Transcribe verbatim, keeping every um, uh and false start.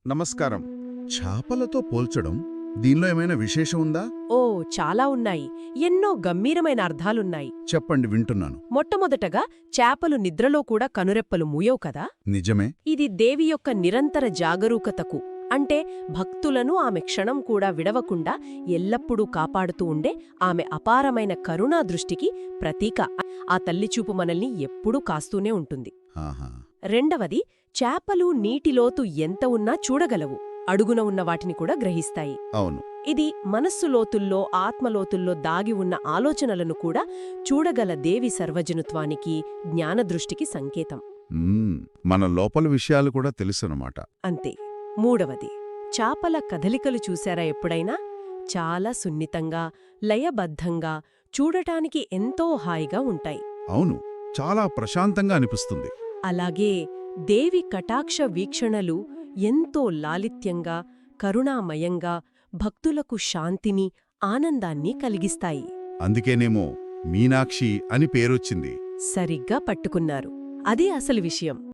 నమస్కారం. చేపలతో పోల్చడం దీనిలో ఏమైనా విశేషం ఉందా? ఓ చాలా ఉన్నాయి. ఎన్నో గంభీరమైన అర్థాలున్నాయి. చెప్పండి, వింటున్నాను. మొట్టమొదటగా చేపలు నిద్రలో కూడా కనురెప్పలు మూయవు కదా. నిజమే. ఇది దేవి యొక్క నిరంతర జాగరూకతకు, అంటే భక్తులను ఆమె క్షణం కూడా విడవకుండా ఎల్లప్పుడూ కాపాడుతూ ఉండే ఆమె అపారమైన కరుణా దృష్టికి ప్రతీక. ఆ తల్లిచూపు మనల్ని ఎప్పుడూ కాస్తూనే ఉంటుంది. ఆహా. రెండవది, చేపలు నీటిలోతు ఎంత ఉన్నా చూడగలవు, అడుగున ఉన్న వాటిని కూడా గ్రహిస్తాయి. అవును. ఇది మనస్సు లోతుల్లో, ఆత్మలోతుల్లో దాగి ఉన్న ఆలోచనలను కూడా చూడగల దేవి సర్వజనుత్వానికి, జ్ఞానదృష్టికి సంకేతం. మ్మ్, మన లోపల విషయాలు కూడా తెలుసన్నమాట. అంతే. మూడవది, చాపల కదలికలు చూశారా ఎప్పుడైనా? చాలా సున్నితంగా, లయబద్ధంగా, చూడటానికి ఎంతో హాయిగా ఉంటాయి. అవును, చాలా ప్రశాంతంగా అనిపిస్తుంది. అలాగే దేవి కటాక్ష వీక్షణలు ఎంతో లాలిత్యంగా, కరుణామయంగా, భక్తులకు శాంతిని, ఆనందాన్ని కలిగిస్తాయి. అందుకేనేమో మీనాక్షి అని పేరొచ్చింది. సరిగ్గా పట్టుకున్నారు. అదే అసలు విషయం.